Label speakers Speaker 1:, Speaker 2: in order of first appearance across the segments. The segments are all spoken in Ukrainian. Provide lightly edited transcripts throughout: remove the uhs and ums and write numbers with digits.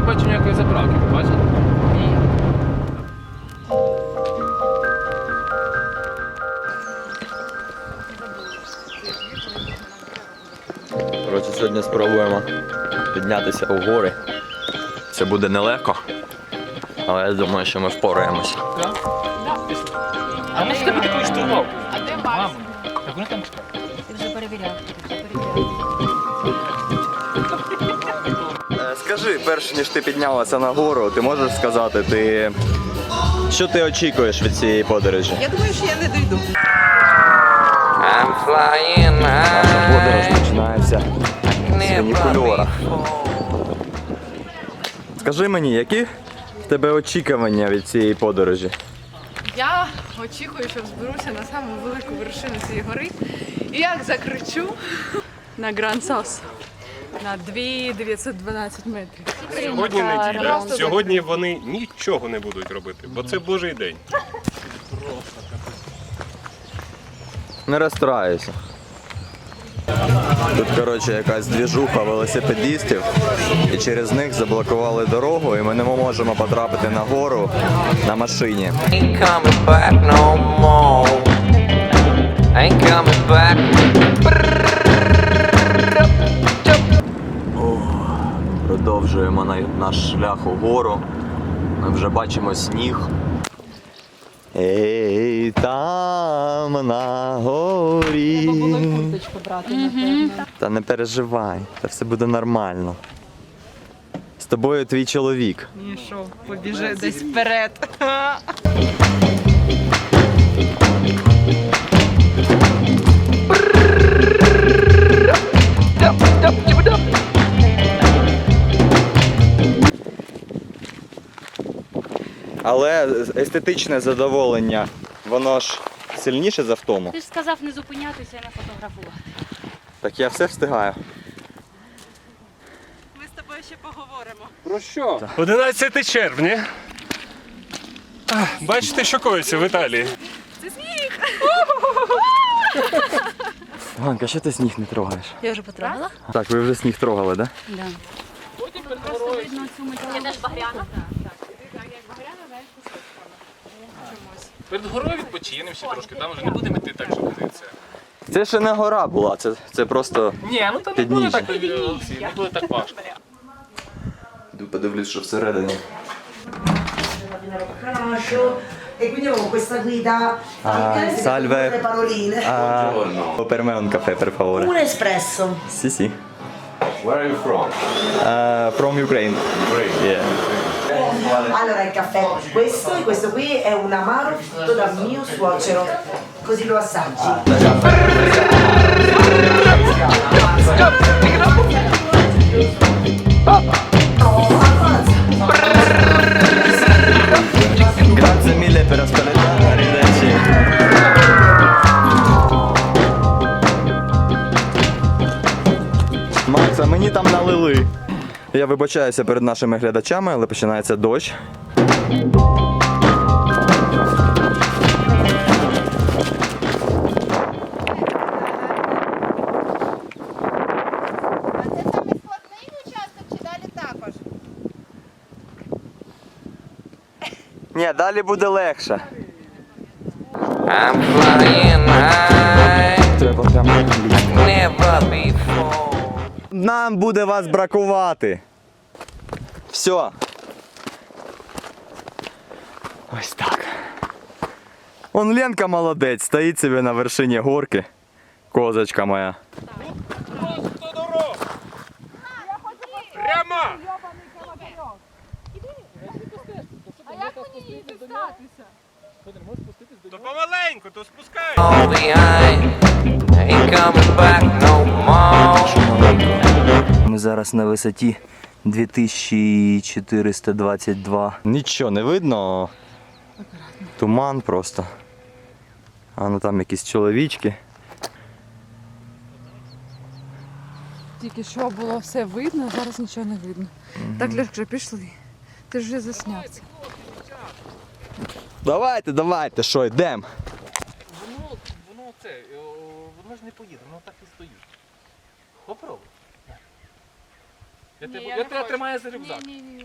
Speaker 1: бачу ніякої заправки, бачите?
Speaker 2: Коротше, сьогодні спробуємо піднятися у гори. Це буде нелегко, але я думаю, що ми впораємося.
Speaker 1: А ми ж тебе такою штурмовку.
Speaker 3: А де Макс?
Speaker 1: Так вони там чекають.
Speaker 3: Ти вже перевіряв.
Speaker 2: Скажи, перш ніж ти піднялася на гору, ти можеш сказати, що ти очікуєш від цієї подорожі?
Speaker 4: Я думаю, що я не дійду.
Speaker 2: Наша подорож починається з фунікульора. Скажи мені, які в тебе очікування від цієї подорожі?
Speaker 5: Я очікую, що зберуся на саму велику вершину цієї гори. І як закричу на Гранд Сос на 2912 метрів.
Speaker 6: Сьогодні неділя.
Speaker 5: Просто
Speaker 6: Сьогодні вони нічого не будуть робити, бо це Божий день.
Speaker 2: Не розстраюйся. Тут, коротше, якась двіжуха велосипедистів, і через них заблокували дорогу, і ми не можемо потрапити на гору на машині.
Speaker 7: Ain't coming back no more. Ain't coming back.
Speaker 2: Продовжуємо наш шлях угору. Ми вже бачимо сніг. Ей, там на горі. Та не переживай, та все буде нормально. З тобою твій чоловік.
Speaker 4: Ні, що, побіжи десь вперед.
Speaker 2: Але естетичне задоволення, воно ж сильніше за втому.
Speaker 3: Ти ж сказав не зупинятися і не фотографувати.
Speaker 2: Так я все встигаю.
Speaker 4: Ми з тобою ще поговоримо.
Speaker 6: Про що? 11 червня. Бачите, що коїться в Італії?
Speaker 2: Ганка, що ти сніг не трогаєш?
Speaker 3: Я вже потрапила?
Speaker 2: Так, ви вже сніг трогали, так?
Speaker 3: Да.
Speaker 1: Перед горою відпочинемо ще трошки, там вже не будемо йти так, що це.
Speaker 2: Це ще не гора була, це просто...
Speaker 1: Ні, ну то не буде так, Олексій, не буде так важко.
Speaker 2: Йду подивлюсь, що всередині.
Speaker 8: E quindi avevo questa guida
Speaker 2: salve.
Speaker 8: le paroline.
Speaker 2: Per me un caffè, per favore.
Speaker 8: Un espresso.
Speaker 2: Sì, sì.
Speaker 6: Where are you from?
Speaker 2: From Ukraine. Yeah.
Speaker 8: Allora il caffè questo e questo qui è un amaro fatto dal mio suocero, così lo assaggi.
Speaker 2: Grazie mille per ascoltare. Arrivederci. Макса, мені там налили. Я вибачаюся перед нашими глядачами, але починається дощ. Ні, далі буде легше.
Speaker 7: I'm flying high.
Speaker 2: Треба прямо англійською.
Speaker 7: Never before.
Speaker 2: Нам буде вас бракувати. Все. Ось так. Он Ленка молодець, стоїть собі на вершині горки. Козочка моя.
Speaker 6: Просто дорога! Прямо! То помаленьку, то спускай!
Speaker 7: All behind. Ain't coming back no more.
Speaker 2: Ми зараз на висоті 2422. Нічого не видно. Туман просто. А ну там якісь чоловічки.
Speaker 5: Тільки що було все видно, а зараз нічого не видно. Так, Льошка, пішли. Ти ж вже заснявся.
Speaker 2: Давайте, що, йдемо?
Speaker 1: Воно ж не поїде, воно так і стоїть. Попробуй. Я тебе тримаю за рюкзак.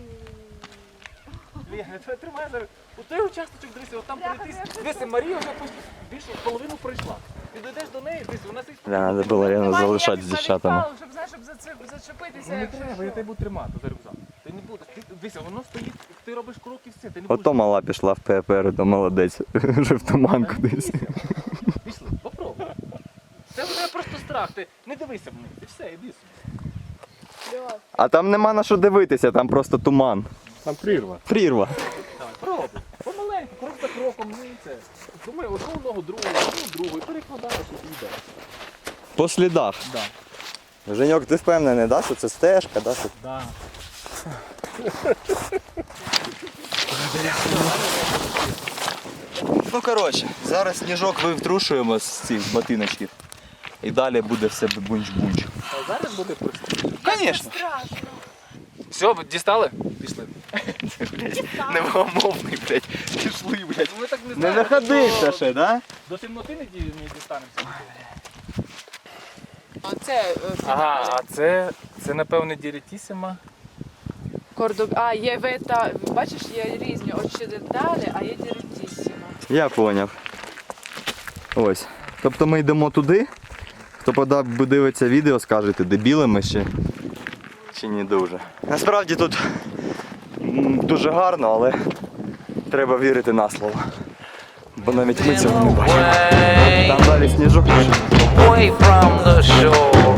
Speaker 1: Лена, я тебе тримаю за рюкзак. У той участочок, дивися, от там пройтись. Дивися, Марія вже більше половину пройшла. Ти дійдеш до неї, дивися, у нас є...
Speaker 2: Треба було Лену залишати з дівчатами.
Speaker 5: Щоб, знаєш, щоб зачепитися.
Speaker 1: Не треба, я тебе буду тримати за рюкзак. Ти не будеш. Дивися, воно стоїть, ти робиш крок і все. Ти не будеш.
Speaker 2: Ото мала пішла попереду, молодець. Вже в туман кудись.
Speaker 1: Пішли, попробуй. Це вже просто страх. Ти не дивися вниз. І все, іди собі.
Speaker 2: А там нема на що дивитися, там просто туман.
Speaker 6: Там прірва.
Speaker 2: Прірва.
Speaker 1: Давай, пробуй. Помаленьку, крок за кроком, ну і це. Думай, одну ногу, другу, і перекладаєш і йдеш.
Speaker 2: По слідах.
Speaker 1: Да.
Speaker 2: Женьок, ти впевнений, да, що це стежка, да? Що...
Speaker 1: Да.
Speaker 2: Ну коротше, зараз сніжок вивтрушуємо з цих ботиночків. І далі буде все бунч-бунч.
Speaker 1: А зараз буде просто.
Speaker 2: Звісно.
Speaker 1: Все, дістали? Пішли.
Speaker 2: Невгомовний, блядь. Пішли, блядь.
Speaker 1: Ми так не
Speaker 2: Не
Speaker 1: знаємо.
Speaker 2: находився ще, да?
Speaker 1: До темноти не дістанемося.
Speaker 5: Це
Speaker 1: Ага, а це напевне дірітісіма.
Speaker 5: А, є вета, бачиш, є різні очиденталі, а є діректісімо.
Speaker 2: Я поняв. Ось. Тобто ми йдемо туди. Хто подивиться відео, скажете, дебіли ми ще чи не дуже. Насправді тут дуже гарно, але треба вірити на слово. Бо навіть ми цього не бачимо. Там далі сніжок.
Speaker 7: away from the shore,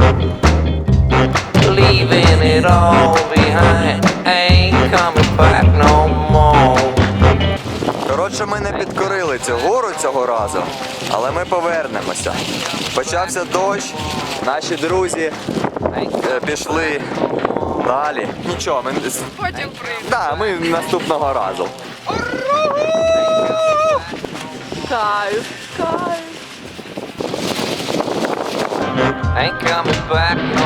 Speaker 7: leaving it all behind. Ain't coming back no more.
Speaker 2: Коротше, ми не підкорили цю гору цього разу, але ми повернемося. Почався дощ, наші друзі пішли далі. Нічого, ми
Speaker 5: Потім прийде.
Speaker 2: да, ми наступного разу.
Speaker 5: Кайф, кайф.
Speaker 7: Ain't coming back